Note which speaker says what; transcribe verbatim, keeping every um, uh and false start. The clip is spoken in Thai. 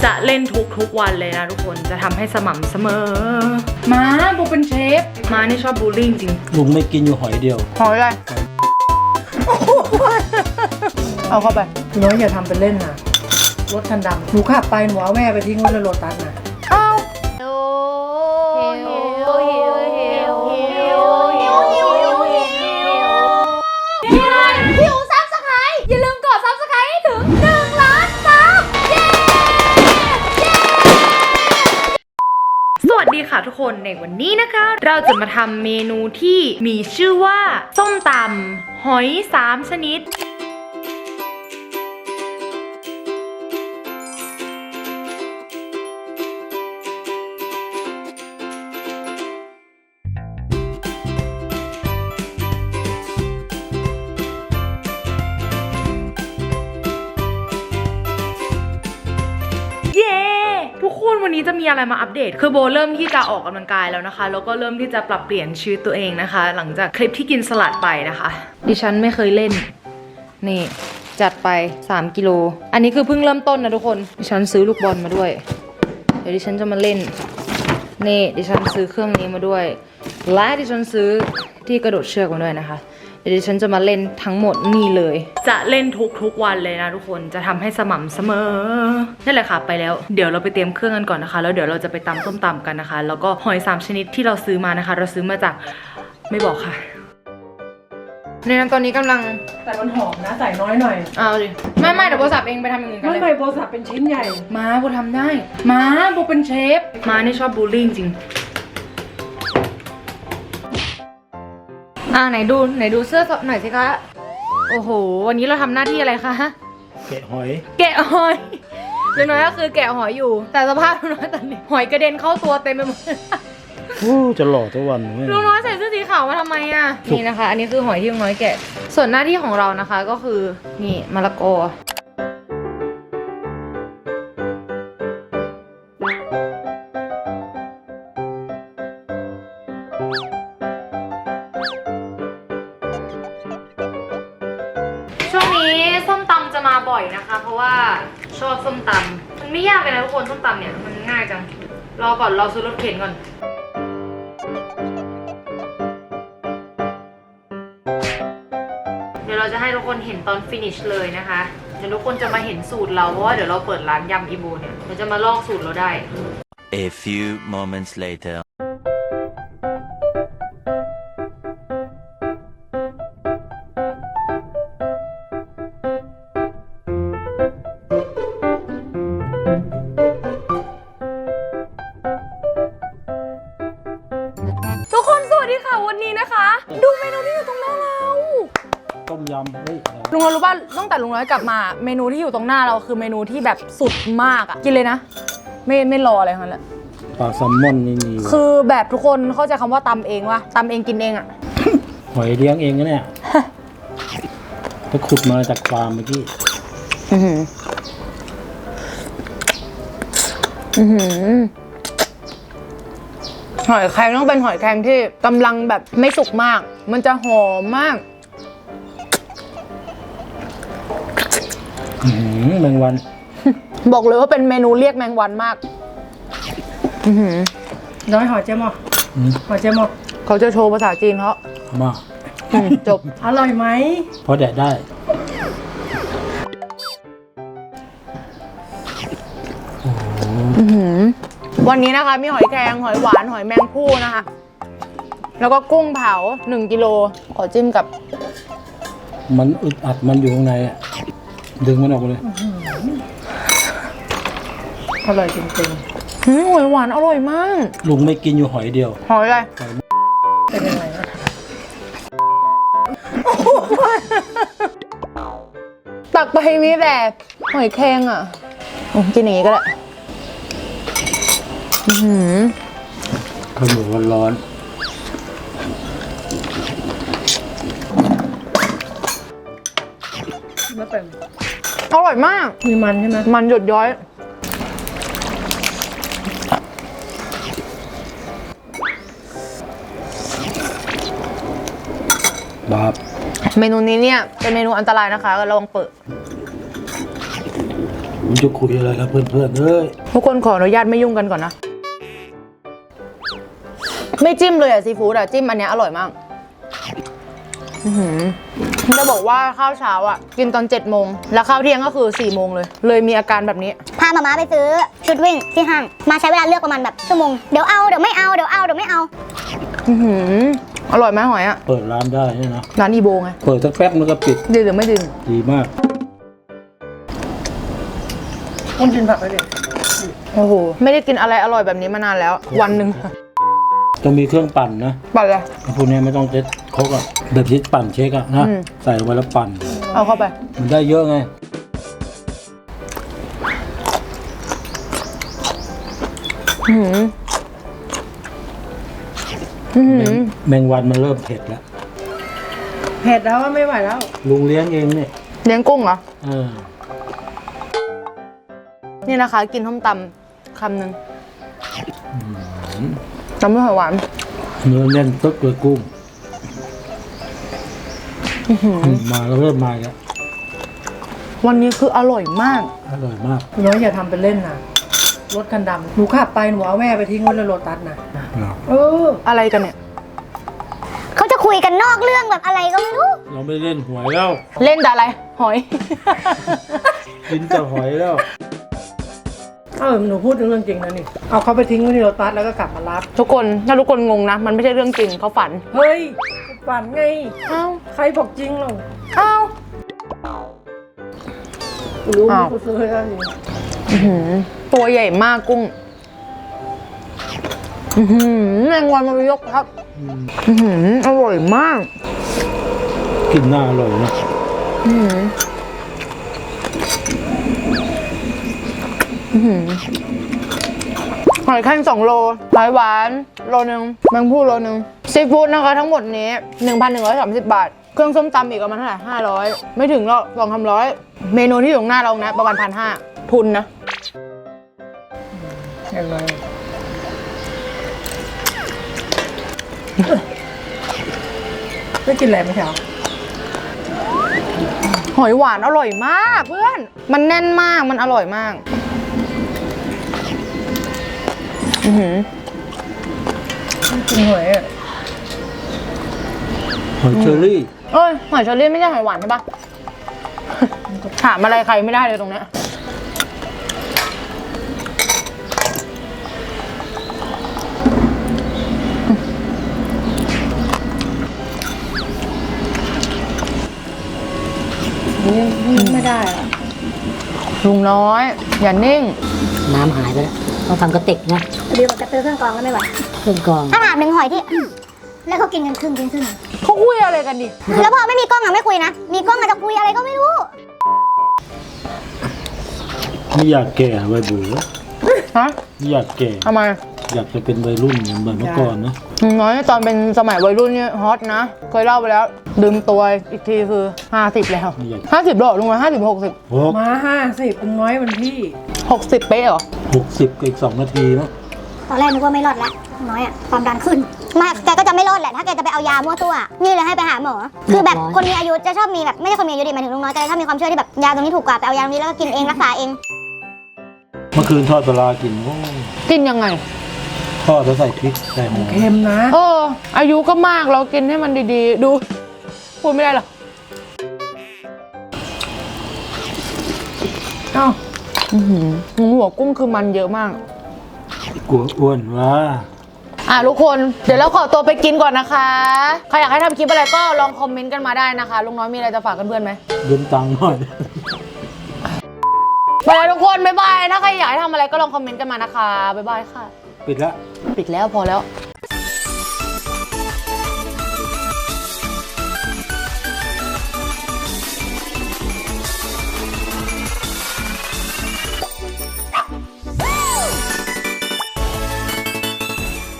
Speaker 1: จะเล่นทุกทุกวันเลยนะทุกคนจะทำให้สม่ำเสมอมาโบเป็นเชฟมานี่ชอบบูลลี่จริง
Speaker 2: ลุงไม่กินอยู่หอยเดียว
Speaker 1: หอยอะไรเอาเข้าไปน้อยอย่าทำเป็นเล่นนะรถคันดำหนูขับไปหนูเอาแม่ไปทิ้งไว้ในรถตัสนะเอา
Speaker 3: หิวซับสไครต์อย่าลืมกดซับสไครต์ให้ถึงหนึ่งล้านซับเย้เย้
Speaker 1: สวัสดีค่ะทุกคนในวันนี้นะคะเราจะมาทำเมนูที่มีชื่อว่าส้มตำหอยสามชนิดทุกคนวันนี้จะมีอะไรมาอัปเดตคือโบเริ่มที่จะออกกำลังกายแล้วนะคะแล้วก็เริ่มที่จะปรับเปลี่ยนชีวิตตัวเองนะคะหลังจากคลิปที่กินสลัดไปนะคะดิฉันไม่เคยเล่นนี่จัดไปสามกิโลอันนี้คือเพิ่งเริ่มต้นนะทุกคนดิฉันซื้อลูกบอลมาด้วยเดี๋ยวดิฉันจะมาเล่นนี่ดิฉันซื้อเครื่องนี้มาด้วยและดิฉันซื้อที่กระโดดเชือกมาด้วยนะคะเดี๋ยวดิฉันจะมาเล่นทั้งหมดนี่เลยจะเล่นทุกทุกวันเลยนะทุกคนจะทำให้สม่ำเสมอนั่นแหละค่ะไปแล้วเดี๋ยวเราไปเตรียมเครื่องกันก่อนนะคะแล้วเดี๋ยวเราจะไปตำส้มตำกันนะคะแล้วก็หอยสามชนิดที่เราซื้อมานะคะเราซื้อมาจากไม่บอกค่ะในนั้นตอนนี้กำลัง
Speaker 4: แต่มันหอมนะใส่น้อยหน่อย
Speaker 1: เอาดิไม่ไม่เดี๋ยวโบสับเองไปทำอย่างอื่นกันเลย
Speaker 4: ไม่ไม่โบสับเป็นชิ้นใหญ่
Speaker 1: มาโบทำได้มาโบเป็นเชฟมานี่ชอบบูลลี่จริงอ่าไหนดูไหนดูเสื้อหน่อยสิคะโอ้โหวันนี้เราทำหน้าที่อะไรคะ
Speaker 2: แกะหอย
Speaker 1: แกะหอยลุงน้อยก็คือแกะหอยอยู่แต่สภาพลุงน้อยตอนนี้หอยกระเด็นเข้าตัวเต็มไปหมด
Speaker 2: โอ้จะหล่อทุกวัน
Speaker 1: ลุงน้อยใส่เสื้อสีขาวมาทำไมอ่ะนี่นะคะอันนี้คือหอยที่ลุงน้อยแกะส่วนหน้าที่ของเรานะคะก็คือนี่มะละกอช่วงนี้ส้มตำจะมาบ่อยนะคะเพราะว่าชอบส้มตำมันไม่ยากเลยนะทุกคนส้มตำเนี่ยมันง่ายจังรอก่อนรอซื้อรถเข็นก่อนเดี๋ยวเราจะให้ทุกคนเห็นตอนฟินิชเลยนะคะเดี๋ยวทุกคนจะมาเห็นสูตรเราเพราะว่าเดี๋ยวเราเปิดร้านยำอีโบเนี่ยเราจะมาลอกสูตรเราได้
Speaker 5: A few moments later
Speaker 1: ทุกคนสวัสดีค่ะวันนี้นะคะดูเมนูที่อยู่ตรงหน้าเรา
Speaker 2: ต้มยำเฮ้ย
Speaker 1: ลุงน้อยรู้ป่ะตั้งแต่ลุงน้อยกลับมาเมนูที่อยู่ตรงหน้าเราคือเมนูที่แบบสุดมากอ่ะกินเลยนะไม่ไม่รออะไรทั้งนั้นแหละ
Speaker 2: ปลาแซลมอนนี่นี่
Speaker 1: คือแบบทุกคนเข้าใจคำว่าตำเองวะตำเองกินเองอ่ะ
Speaker 2: หอยเลี้ยงเองนะเนี่ยไปขุดมาจากฟาร์มเมื่อกี้
Speaker 1: อือหืออือหือหอยแครงต้องเป็นหอยแครงที่กำลังแบบไม่สุกมากมันจะหอมมาก
Speaker 2: อือแมงวัน
Speaker 1: บอกเลยว่าเป็นเมนูเรียกแมงวันมากอือหือ
Speaker 4: น้อยหอยเจมอหอยเจมอ
Speaker 1: เขาจะโชว์ภาษาจีนเขา
Speaker 2: มา
Speaker 1: จบ
Speaker 4: อร่อยไหม
Speaker 2: พอแดดได้
Speaker 1: วันนี้นะคะมีหอยแครงหอยหวานหอยแมงภู่นะคะแล้วก็กุ้งเผาหนึ่งกิโลขอจิ้มกับ
Speaker 2: มันอึดอัดมันอยู่ข้างในอ่ะดึงมันออกเลย
Speaker 4: อร่อยจริง
Speaker 1: ๆหอยหวานอร่อยมาก
Speaker 2: ลุงไม่กินอยู่หอยเดียว
Speaker 1: หอยอะไร
Speaker 4: เป็นยังไงนะ
Speaker 1: ตักไปมีแต่หอยแครงอ่ะกินอย่างนี้ก็ได้
Speaker 2: ข้าวเหนียวร้อน
Speaker 4: ไม่เป็น
Speaker 1: อร่อยมาก
Speaker 4: มีมันใช่ไหม
Speaker 1: มันหยดย้อย
Speaker 2: บาบ
Speaker 1: เมนูนี้เนี่ยเป็นเมนูอันตรายนะคะระวังเปิด
Speaker 2: อืมันจะคุยอะไรกับเพื่อนๆเอ้ย
Speaker 1: ทุกคนขออนุญาตไม่ยุ่งกันก่อนนะ ไม่จิ้มเลยอะซีฟู้ดอะจิ้มอันเนี้ยอร่อยมากอื้อหือจะบอกว่าข้าวเช้าอะกินตอนเจ็ดโมงแล้วข้าวเที่ยงก็คือสี่โมงเลย เลยมีอาการแบบนี้
Speaker 3: พามาม่าไปซื้อชุดวิ่งที่ห้าง มาใช้เวลาเลือกประมาณแบบชั่วโมง เดี๋ยวเอา เดี๋ยวไม่เอา เดี๋ยวเอา เดี๋ยวไม่เอา
Speaker 1: อื้อหืออร่อยไหมหอยอะ
Speaker 2: เปิดร้านได้เนี่ยนะ
Speaker 1: ร้านอีโบไง
Speaker 2: เปิดสักแป๊บมันก็ปิด
Speaker 1: ดีหรือไม่ดี
Speaker 2: ดีมาก
Speaker 4: คุณกินผักไปดิ
Speaker 1: โอ้โหไม่ได้กินอะไรอร่อยแบบนี้มานานแล้ว วันหนึ่ง
Speaker 2: ต้องมีเครื่องปั่นนะ
Speaker 1: ปั่นเลย
Speaker 2: พวกนี้ไม่ต้องเช็ดครกอะแบบที่ปั่นเช็คอะนะ
Speaker 1: อืม
Speaker 2: ใส่ลงไปแล้วปั่น
Speaker 1: เอาเข้าไป
Speaker 2: มันได้เยอะไง
Speaker 1: อื้อหืออื้อหือ
Speaker 2: แมงวันมันเริ่มเผ็ดแล้ว
Speaker 4: เผ็ดแล้วว่าไม่ไหวแล้ว
Speaker 2: ลุงเลี้ยงเองเนี่ย
Speaker 1: เลี้ยงกุ้งเหรอ
Speaker 2: เออ
Speaker 1: นี่นะคะ กินส้มตำคำหนึ่งตำด้วยหอยหวาน
Speaker 2: เนื้อแน่นตึ๊กเลยกุ้งมาแล้วเริ่มมาแล้ว
Speaker 1: วันนี้คืออร่อยมาก
Speaker 2: อร่อยมาก
Speaker 4: น้อยอย่าทำเป็นเล่นนะรถคันดำหนูขับไปหนูเอาแม่ไปทิ้งไว้ในโรตัสนะเออ
Speaker 1: อะไรกันเนี่ย
Speaker 3: เขาจะคุยกันนอกเรื่องแบบอะไรก็ไม่รู้
Speaker 2: เราไม่เล่นหวยแล้ว
Speaker 1: เล่นแต่อะไร หอย
Speaker 2: กินแต่หอยแล้ว
Speaker 4: เออหนูพูดถึงเรื่องจริงนะนี่ เอาเขาไปทิ้งไว้ในโรตัสแล้วก็กลับมารับ
Speaker 1: ทุกคนถ้าทุกคนงงนะ มันไม่ใช่เรื่องจริงเขาฝัน
Speaker 4: เฮ้ยฝันไง
Speaker 1: เอ้า
Speaker 4: ใครบอกจริงหรอ
Speaker 1: เอ้า
Speaker 4: รู้
Speaker 1: อ้าว
Speaker 4: กูซื้อให้ได้จริง
Speaker 1: อื้อหือตัวใหญ่มากกุ้ง อือหือแมงวันมันยกครับ อือหืออร่อยมาก
Speaker 2: กินหน้าอร่อยนะ
Speaker 1: อือหืออื้อหือหอยแครงสองโลหอยหวานโลนึงแมงผู้โลนึงซีฟู้ดนะคะทั้งหมดนี้ หนึ่งพันหนึ่งร้อยสามสิบบาท เครื่องส้มตำอีกประมาณเท่าไหร่ห้าร้อยไม่ถึงหรอกสองสามร้อยเมนูที่อยู่ตรงหน้าเรานะ ประมาณพันห้าทุนนะ
Speaker 4: อย่างไรไม่กินอะไรไหมเช้า
Speaker 1: หอยหวานอร่อยมากเพื่อน มันแน่นมากมันอร่อยมาก อือหือ
Speaker 4: กินหอยอ่ะ
Speaker 2: หอยเชอรี่
Speaker 1: เอ้ยหอยเชอรี่ไม่ใช่หอยหวานใช่ปะ ถามอะไรใครไม่ได้เลยตรงเนี้ย
Speaker 4: นี่นี่ไม่ได้อะ
Speaker 1: ลุงน้อย อย่านิ่ง
Speaker 6: น้ำหายไปแล้วต้องทำกระติกนะ
Speaker 3: เดี๋ยวมันกระตือเครื่องกรองแล้วไม่ไหว
Speaker 6: เครื่องกรอง
Speaker 3: ถ้าถามหนึ่งหอยที่ แล้วเขากินกันครึ่งกินครึ่ง
Speaker 1: เขาคุยอะไรกันดิ
Speaker 3: แล้วพอไม่มีกล้องอะไม่คุยนะ มีกล้องอาจจะคุยอะไรก็ไม่รู้
Speaker 2: ไม่อยากแก่วัยเบื่อ
Speaker 1: ฮะ
Speaker 2: ไม่อยากแก่
Speaker 1: ทำไม
Speaker 2: อยากจะเป็นวัยรุ่นเหมือนเมื่อก่อนนะ
Speaker 1: ลุงน้อยตอนเป็นสมัยวัยรุ่นเนี่ยฮอตนะ เคยเล่าไปแล้ว ดื่มตัวอีกทีคือห้าสิบแล้ว
Speaker 2: ไม่อยาก
Speaker 1: ห้าสิบหรอลุงน้อยห้าสิบหกสิบ
Speaker 2: หก
Speaker 4: มาห้าสิบเป็นน้อยมันพี่
Speaker 1: หกสิบเป๊ะเหรอ
Speaker 2: หกสิบอีกสองนาทีมั้ง
Speaker 3: ตอนแรกนึกว่าไม่รอดแล้วน้อยอะความดันขึ้นไมาแกก็จะไม่รอดแหละถ้าแกจะไปเอายามั่วตัวนี่เลยให้ไปหาหมอ คือแบบคนมีอายุจะชอบมีแบบไม่ใช่คนมีอายุดิหมายถึงลุงน้อยจะชอบมีความเชื่อที่แบบยาตรงนี้ถูกกว่าไปเอายาตรงนี้แล้วก็กินเองรักษาเอง
Speaker 2: เมื่อคืนทอดปลาร้ากินโอ้
Speaker 1: กินยังไง
Speaker 2: ทอดแล้วใส่พริกใส่หอม
Speaker 4: เค็มนะ
Speaker 1: เออ อายุก็มากเรากินให้มันดีๆ ดู พูดไม่ได้หรอ
Speaker 4: เอ้า
Speaker 1: อื้อหือหัวกุ้งคือมันเยอะมาก
Speaker 2: กลัวอ้วนว่า
Speaker 1: อ่ะทุกคน เดี๋ยวเราขอตัวไปกินก่อนนะคะ ใครอยากให้ทำคลิปอะไรก็ลองคอมเมนต์กันมาได้นะคะลุงน้อยมีอะไรจะฝากเพื่อนๆไหม
Speaker 2: ยืมตังค์หน่อย
Speaker 1: ไปแล้วทุกคน บ๊ายบาย ถ้าใครอยากให้ทำอะไรก็ลองคอมเมนต์กันมานะคะ บ๊ายบายค่ะ
Speaker 2: ปิดแล้ว
Speaker 1: ปิดแล้วพอแล้ว
Speaker 2: โ